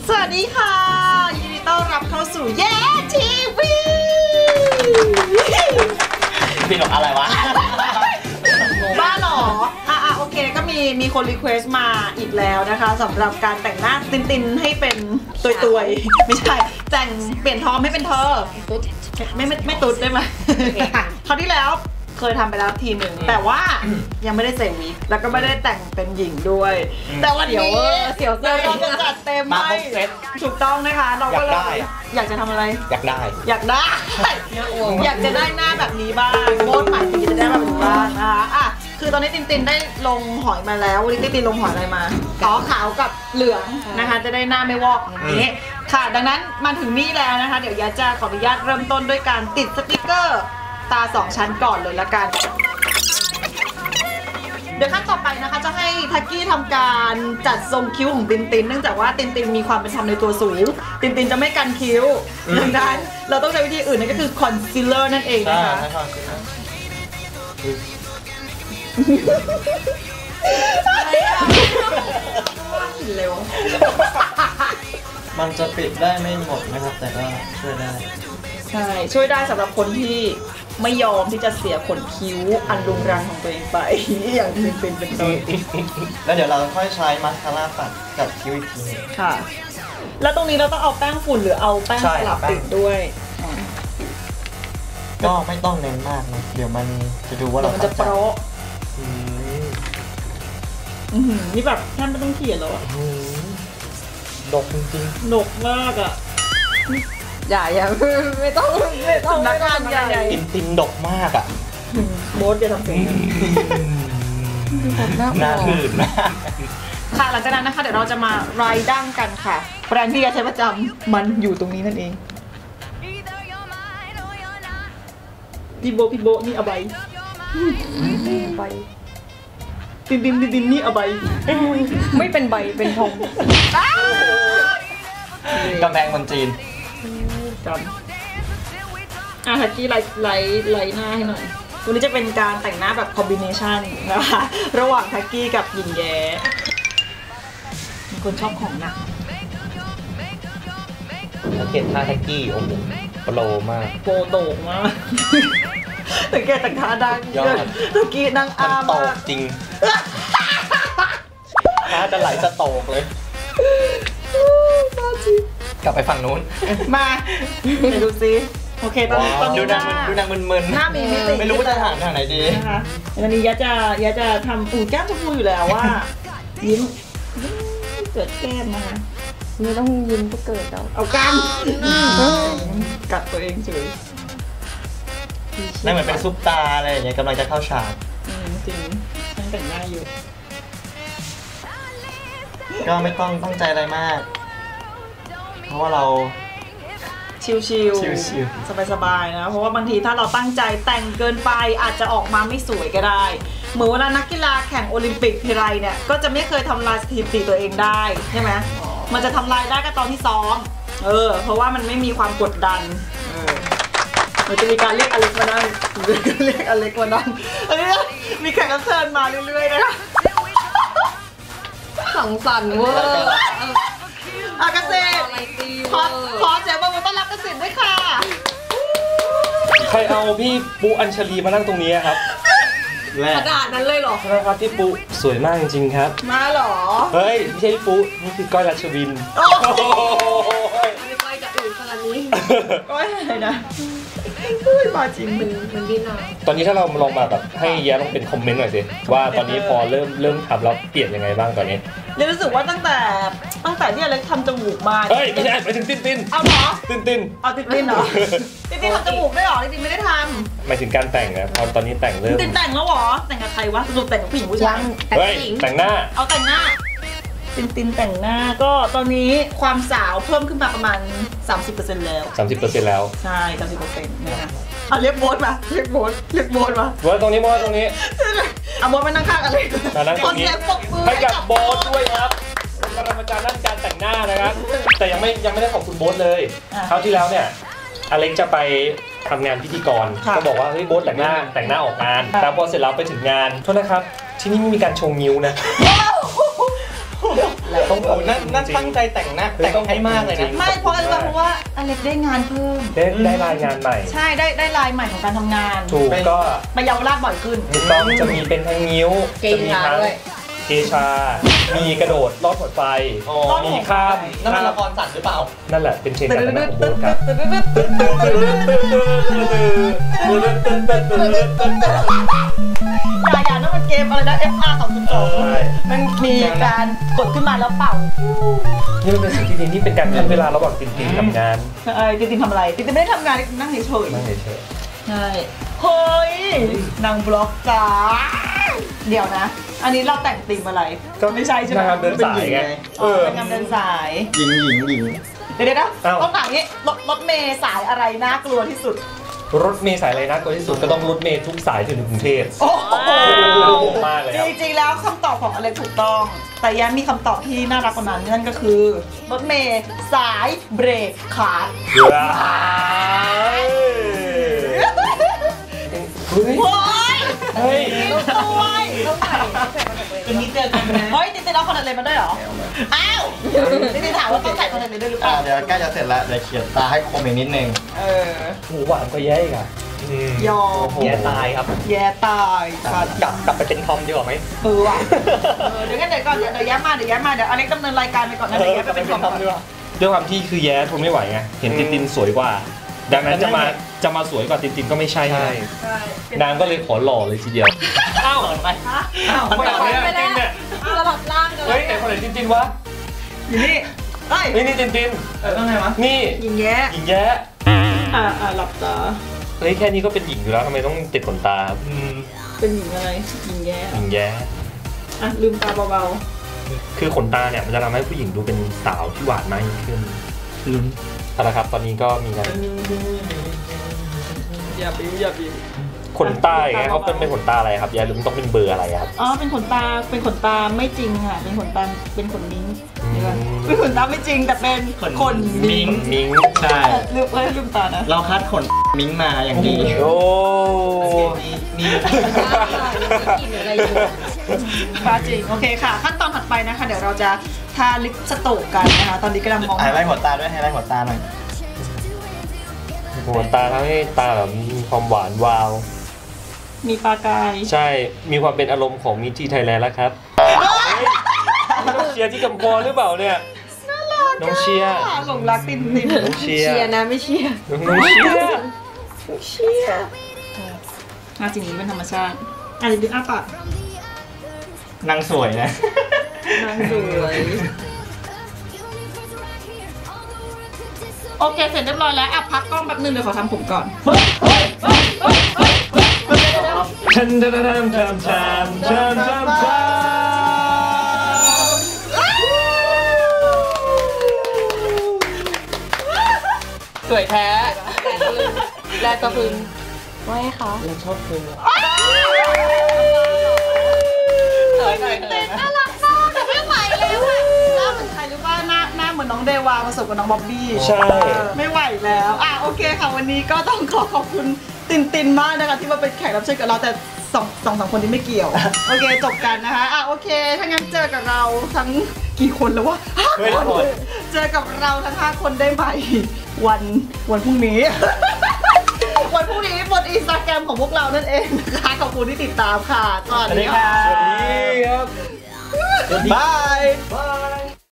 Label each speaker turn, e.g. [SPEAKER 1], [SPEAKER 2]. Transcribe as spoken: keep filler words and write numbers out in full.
[SPEAKER 1] สวัสดีค่ะยินดีต้อนรับเข้าสู่แย่ทีวี
[SPEAKER 2] พี่หลอกอะไรวะ
[SPEAKER 1] บ้าหรออ่ะอ่ะโอเคก็มีมีคนรีเควสต์มาอีกแล้วนะคะสำหรับการแต่งหน้าตินตินให้เป็นตุยตุยไม่ใช่แต่งเปลี่ยนทอมให้เป็นเธอไม่ไม่ไม่ตุ๊ดได้ไหมคราวที่แล้วเคยทำไปแล้วทีหนึ่งแต่ว่ายังไม่ได้ใส่วิกแล้วก็ไม่ได้แต่งเป็นหญิงด้วยแต่วันนี้เสี่ยวเซอร์เราจะจัดเต็มให้ถูกต้องนะคะเราก็เลยอยากจะทำอะไร
[SPEAKER 2] อยากได้
[SPEAKER 1] อยากได้อยากจะได้หน้าแบบนี้บ้างโบนหมายถึงจะได้แบบนี้บ้างนะคะอ่ะคือตอนนี้ตินตินได้ลงหอยมาแล้ววันนี้ตินตินลงหอยอะไรมาอ๋อขาวกับเหลืองนะคะจะได้หน้าไม่วอกอย่างนี้ค่ะดังนั้นมาถึงนี่แล้วนะคะเดี๋ยวยาจะขออนุญาตเริ่มต้นด้วยการติดสติกเกอร์ตาสองชั้นก่อนเลยละกันเดี๋ยวขั้นต่อไปนะคะจะให้ทักกี้ทำการจัดทรงคิ้วของตินตินเนื่องจากว่าตินตินมีความเป็นธรรมในตัวสูงตินตินจะไม่กันคิ้วดังนั้นเราต้องใช้วิธีอื่นนั่นก็คือคอนซีลเลอร์นั่นเองนะคะเร็ว
[SPEAKER 2] มันจะปิดได้ไม่หมดนะครับแต่ก็ช่วยได้
[SPEAKER 1] ใช่ช่วยได้สำหรับคนที่ไม่ยอมที่จะเสียขนคิ้วอันรุงรังของตัวเองไปอย่างเป็นเป็นเป็นต้น
[SPEAKER 2] แล้วเดี๋ยวเราค่อยใช้มาสคาร่าปัดกับคิ้วอีกทีนึง
[SPEAKER 1] ค่ะแล้วตรงนี้เราต้องเอาแป้งฝุ่นหรือเอาแป้งสลับติดด้วย
[SPEAKER 2] ก็ไม่ต้องเน้นมากนะเดี๋ยวมันจะดูว่าเรา
[SPEAKER 1] จะโปรนี่แบบท่านไม่ต้องเขียนแล้วอะ
[SPEAKER 2] ดกจริง
[SPEAKER 1] ๆดกมากอะ
[SPEAKER 3] อย่าอย่าไม่ต้องไม่ต้อง
[SPEAKER 1] นักงานใหญ่
[SPEAKER 2] ตินตินดกมากอ่ะ
[SPEAKER 1] โบ๊ทอย่าทำเสียง
[SPEAKER 2] หน้าหื่นมาก
[SPEAKER 1] ค่ะหลังจากนั้นนะคะเดี๋ยวเราจะมาไรดั้งกันค่ะแบรนด์ที่ยาใช้ประจำมันอยู่ตรงนี้นั่นเองพี่โบพี่โบนี่อใบใบตินตินตินตินนี่อใบ
[SPEAKER 3] ไม่เป็นใบเป็นทอง
[SPEAKER 2] กำแพงเมืองจีน
[SPEAKER 1] จำอ่ะทักกี้ไลท์ไลท์ไลท์หน้าให้หน่อยวันนี้จะเป็นการแต่งหน้าแบบคอมบิเนชันนะคะระหว่างทักกี้กับหญิงแย้มีคนชอบของหนัก
[SPEAKER 2] สังเกตท่าทักกี้โอ้โหโปรมาก
[SPEAKER 1] โปรโตกมากสังเกตแต่งท่าดังทักกี้นั่งอ้าม
[SPEAKER 2] โตกจริงท่าจะไหลสโตกเลยกลับไปฝั่งนู้น
[SPEAKER 1] มาไปดูซิโอเคตอนนี้ตอนนี้
[SPEAKER 2] ดูนางดูนางมึนๆ
[SPEAKER 1] หน้ามีมิติ
[SPEAKER 2] ไม่รู้ว่าจะหันทางไหนดี
[SPEAKER 1] นะคะวันนี้ยะจะยะจะทำอู่แก้มชมพูอยู่แล้วว่ายิ้มเกิดแก้มนะคะ
[SPEAKER 3] ไม่ต้องยิ้มก็เกิดแล้ว
[SPEAKER 1] เอาก้มกัดตัวเองเฉย
[SPEAKER 2] นั่นเหมือนเป็นซุปตาอะไรอย่างเงี้ยกำลังจะเข้าฉาก
[SPEAKER 1] จริงฉันแต่งหน้าอยู่
[SPEAKER 2] ก็ไม่ต้องตั้งใจอะไรมากเพราะว่าเรา
[SPEAKER 1] ชิลๆสบายๆนะเพราะว่าบางทีถ้าเราตั้งใจแต่งเกินไปอาจจะออกมาไม่สวยก็ได้เหมือนเวลานักกีฬาแข่งโอลิมปิกทีไรเนี่ยก็จะไม่เคยทำลายสถิติตัวเองได้ใช่ไหมมันจะทำลายได้ก็ตอนที่ซ้อมเออเพราะว่ามันไม่มีความกดดันเออมันจะมีการเรียกอเล็กมานั่งเรียกอเล็กมานั่งอันนี้มีแขกรับเชิญมาเรื่อยๆนะคะ
[SPEAKER 3] สังสรรค์เวอร์
[SPEAKER 1] อากาเซ่ขอขอเสียงปรบมือต้อนรับเกษตรด้วยค่ะ
[SPEAKER 4] ใครเอาพี่ปูอัญชลีมานั่งตรงนี้ครับ
[SPEAKER 1] ขนาดนั้นเลยเหรอ
[SPEAKER 4] ครับพี่ปูสวยมากจริงๆครับ
[SPEAKER 1] มาเหรอ
[SPEAKER 4] เฮ้ยไม่ใช่พี่ปูนี่คือก้อยรัชวิน
[SPEAKER 1] โอ้ไม่ก้อยกับอื่นขนาดนี้ก้อยอะไรนะมาจริงมันมันดิ้นอ่ะ
[SPEAKER 4] ตอนนี้ถ้าเราลองมาแบบให้แย้ลองเป็นคอมเมนต์หน่อยสิว่าตอนนี้พอเริ่มเริ่มทำแล้วเปลี่ยนยังไงบ้างตอนนี้
[SPEAKER 1] เรียนรู้สึกว่าตั้งแต่ตั้งแต่ที่อเล็กทำจมูกมา
[SPEAKER 4] เฮ้ยไม่ใช่ไปถึงติ้นติ้น
[SPEAKER 1] เอาเหรอ
[SPEAKER 4] ติ้นติ้น
[SPEAKER 1] เอาติ้นติ้นเหรอติ้นติ้นทำจมูกได้หรอติ้นติ้นไม่ได้ทำ
[SPEAKER 4] หมายถึงการแต่งนะพอตอนนี้แต่งเริ่ม
[SPEAKER 1] ติ้นแต่งแล้วหรอแต่งกับใครวะสรุปแต่งกับผู้หญิงผู้ชาย
[SPEAKER 4] เฮ้ยแต่งหน้า
[SPEAKER 1] เอาแต่งหน้าตินตินแต่งหน้าก็ตอนนี้ความสาวเพิ่มขึ้นมาประมาณ สามสิบเปอร์เซ็นต์ แล้ว
[SPEAKER 4] สามสิบเปอร์เซ็นต์ แล้ว
[SPEAKER 1] ใช่ สามสิบเปอร์เซ็นต์ นะคะอ่ะเรียกโบ๊ทมาเรียกโบ๊ทเรียกโบ๊ทมา
[SPEAKER 4] โบ๊ทตรงนี้โบ๊ทตรงนี้
[SPEAKER 1] อ่ะโบ๊ทมานั่งข้างอะไร
[SPEAKER 4] มานั่งตรงนี้ให้กับโบ๊ทด้วยครับเป็นปรมาจารย์ด้านการแต่งหน้านะครับแต่ยังไม่ยังไม่ได้ขอบคุณโบ๊ทเลยคราวที่แล้วเนี่ยอเล็กจะไปทำงานพิธีกรก็บอกว่าเฮ้ยโบ๊ทแต่งหน้าแต่งหน้าออกงานแต่พอเสร็จแล้วไปถึงงานโทษนะครับที่นี่ไม่มีการชงนิ้วนะ
[SPEAKER 2] ต้องโอ้นั่นนั่นตั้งใจแต่งหน้าแต่งให้มากเลยนะ
[SPEAKER 1] ไม่เพราะอะไรเพราะว่าอเล็กได้งานเพิ่ม
[SPEAKER 4] ได้ได้รายงานใหม่
[SPEAKER 1] ใช่ได้ได้ลายใหม่ของการทำงาน
[SPEAKER 4] ถูกก็
[SPEAKER 1] ไปเยาวราชบ่อยขึ้น
[SPEAKER 4] ถูกต้องจะมีเป็นทั้งนิ้ว
[SPEAKER 3] เก
[SPEAKER 4] จะ
[SPEAKER 3] ง
[SPEAKER 4] มี
[SPEAKER 3] ขา
[SPEAKER 4] ทั้ง
[SPEAKER 3] ด้วย
[SPEAKER 4] เกชา มีกระโดดลอดหัวไฟ
[SPEAKER 2] อ๋อ
[SPEAKER 4] มีข้าม
[SPEAKER 2] นั่นมันละครสัตว์หรือเปล่า
[SPEAKER 4] นั่นแหละเป็นเชนการทำงานของโบ๊ทครับ
[SPEAKER 1] อย่าอย่านั่นมันเกมอะไรนะ เอฟ อาร์ สองจุดสอง
[SPEAKER 4] ใช่
[SPEAKER 1] มันมีการกดขึ้นมาแล้วเป่า
[SPEAKER 4] นี่มันเป็นสิ่งที่ดีนี่เป็นการขั้นเวลาระหว่างตินตินกับงาน
[SPEAKER 1] ใช่ตินตินทำอะไรตินตินไม่ได้ทำงานนั่งเฉย
[SPEAKER 4] นั่งเฉย
[SPEAKER 1] ๆใช่เฮ้ยนางบล็อกจ้าเดี๋ยวนะ อันนี้เราแต่งธีมอะไร
[SPEAKER 4] ๆก็
[SPEAKER 1] ไม่ใช่ใช่ไหม
[SPEAKER 4] งานเดินสายไงเออ
[SPEAKER 1] เป็นงานเดินสาย
[SPEAKER 2] หญิงหญิงหญิง
[SPEAKER 1] เดี๋ยวๆนะ
[SPEAKER 4] อ้าว
[SPEAKER 1] ต้องถามนี้รถรถเมย์สายอะไรน่ากลัวที่สุด
[SPEAKER 4] รถเมล์สายอะไรน่ากลัวที่สุดก็ต้องรถเมล์ทุกสายถึงกรุงเทพ
[SPEAKER 1] โอ้โห
[SPEAKER 4] มากเลยครับ
[SPEAKER 1] จริงๆแล้วคำตอบของอเล็กถูกต้อง แต่แย้มมีคำตอบที่น่ารักกว่านั้นนั่นก็คือ รถเมย์สายเบรกขาด
[SPEAKER 4] เฮ้ย
[SPEAKER 1] โอ้ย
[SPEAKER 4] เฮ้ย
[SPEAKER 1] ด้วย
[SPEAKER 3] ต้องใส่ใส่มาจากเลย
[SPEAKER 1] วันนี้เจอกันนะเฮ้ยติดติดเอาคอนแทคเลนส์มาด้วยเหรอ อ้าวติดติดถามว่าต้องใส่คอนแทคเลนส์ด้วยหรือเป
[SPEAKER 2] อ่า
[SPEAKER 1] ล่า
[SPEAKER 2] เดี๋ยวใกล้จะเสร็จแล้วเดี๋ยวเขียนตาให้คมอีกนิดนึง
[SPEAKER 1] เออ
[SPEAKER 4] หมูหวานก็แย่อีกอ่ะอืม
[SPEAKER 1] ยอม
[SPEAKER 2] แย่ตายครับ
[SPEAKER 1] แย่ตายค่ะ
[SPEAKER 2] กลับกลับไปเป็นทอมดีกว่าไหม
[SPEAKER 1] เออว่ะเออเดี๋ยวงั้นเดี๋ยวก่อนเดี๋ยวเดี๋ยวแย้มมาเดี๋ยวแย้มมาเดี๋ยวอเล็กดำเนินรายการไปก่อนนะเดี๋ยวแย้มไปเป็นคอมก่อน
[SPEAKER 4] ด้วยความที่คือแย้ทนไม่ไหวไงเห็นตินตินสวยกว่า ดังนั้นจะมาจะมาสวยกว่าตินตินก็ไม่ใช่ไง
[SPEAKER 1] ใช่
[SPEAKER 4] นางก็เลยขอหล่อเลยทีเดียวอ้าว
[SPEAKER 2] ไป
[SPEAKER 1] อ้าว
[SPEAKER 2] มันต่อเนื่อง
[SPEAKER 4] ตินตินเนี่ย
[SPEAKER 3] สลับร่างกัน
[SPEAKER 4] เฮ้ยไหนคนไหนตินตินวะ
[SPEAKER 1] อยู่นี่เฮ้ย
[SPEAKER 4] นี่นี่ตินติน
[SPEAKER 2] เออต้องไงวะ
[SPEAKER 4] นี่
[SPEAKER 1] หญิงแย้
[SPEAKER 4] หญิงแย้
[SPEAKER 1] อ่าอ่าหลับตา
[SPEAKER 4] เฮ้ยแค่นี้ก็เป็นหญิงอยู่แล้วทำไมต้องติดขนตาครับ
[SPEAKER 1] เป็นหญิงอะไรหญิงแย้
[SPEAKER 4] หญิงแย้
[SPEAKER 1] อ่ะลืมตาเบา
[SPEAKER 4] คือขนตาเนี่ยมันจะทำให้ผู้หญิงดูเป็นสาวที่หวานมากยิ่งขึ้นลุ้นเอาละครับตอนนี้ก็มีการ
[SPEAKER 1] ๆอย่าบิ้วอย่าบิ้ว
[SPEAKER 4] ขนตาอย่างเงี้ยเขาเป็นเป็นขนตาอะไรครับยายลุงต้องเป็นเบอร์อะไรครับ
[SPEAKER 1] อ๋อเป็นขนตาเป็นขนตาไม่จริงค่ะเป็นขนตาเป็นขนมิ้ง
[SPEAKER 4] อืม
[SPEAKER 1] เดี๋ยวก่อนเป็นขนตาไม่จริงแต่เป็นขนมิ้ง
[SPEAKER 4] มิง
[SPEAKER 2] ใช่
[SPEAKER 1] ลืมเอ้ยลืมตานะ
[SPEAKER 2] เราคัดขนมิ้งมาอย่างดี
[SPEAKER 4] โอ้
[SPEAKER 2] มีมี
[SPEAKER 3] กินอะไรอยู่
[SPEAKER 1] ปาจริงโอเคค่ะ ขั้นตอนถัดไปนะคะ เดี๋ยวเราจะทาลิปสโตกกันนะคะ ตอนนี้กำลังมอง
[SPEAKER 2] ไฮไลท์หัวตาด้วยไฮไลท์หัวตาหน่อย
[SPEAKER 4] ขนตาทำให้ตาแบบมีความหวานวาว
[SPEAKER 1] มีปลากาย
[SPEAKER 4] ใช่มีความเป็นอารมณ์ของมิทีไทยแลนด์แล้วครับน้องเชียร์ที่กำพรหรือเปล่าเนี่ยน้องเชียร์
[SPEAKER 1] หลงรักตินติน
[SPEAKER 4] น้องเชียร์
[SPEAKER 3] เชียร์นะไม่เชียร์
[SPEAKER 4] น้องเชียร์
[SPEAKER 1] เชี่ยอ่ะจริงนี้เป็นธรรมชาติอ่ะเดี๋ยวดูอ้าปาก
[SPEAKER 2] นางสวยนะ
[SPEAKER 1] นางสวยโอเคเสร็จเรียบร้อยแล้วอ่ะพักกล้องแป๊บนึงเดี๋ยวขอทำผมก่อน
[SPEAKER 4] ชันชันชันชันชันชันชันชัน
[SPEAKER 3] สวยแท้แลกกระพึงไม่ค่ะ
[SPEAKER 4] เราชอบเธอ
[SPEAKER 3] สวยหน่อยเถ
[SPEAKER 1] เต้
[SPEAKER 3] อะ
[SPEAKER 1] นน่ารักมากแต่ไม่ไหวแล้วอะหน้าเหมือนใครหรือว่าหน้าหน้าเหมือนน้องเดวาผสมกับน้องบ๊อบบี้
[SPEAKER 4] ใช่
[SPEAKER 1] ไม่ไหวแล้วอ่ะโอเคค่ะวันนี้ก็ต้องขอขอบคุณตินตินมากนะคะที่มาเป็นแขกรับเชิญกับเราแต่สองสองสามคนที่ไม่เกี่ยว โอเคจบกันนะคะอ่ะโอเคถ้างั้นเจอกับเราทั้งกี่คนแล้ววะห้า
[SPEAKER 4] เฮ้ย
[SPEAKER 1] คน
[SPEAKER 4] หมด
[SPEAKER 1] เจอกับเราทั้งห้าคนได้ไหมวันวันพรุ่งนี้ วันพรุ่งนี้บนอินสตาแกรมของพวกเรานั่นเองนะคะขอบคุณที่ติดตามค่ะสวัสดีค่ะ
[SPEAKER 4] สวัสดีครับ
[SPEAKER 2] บาย
[SPEAKER 4] บาย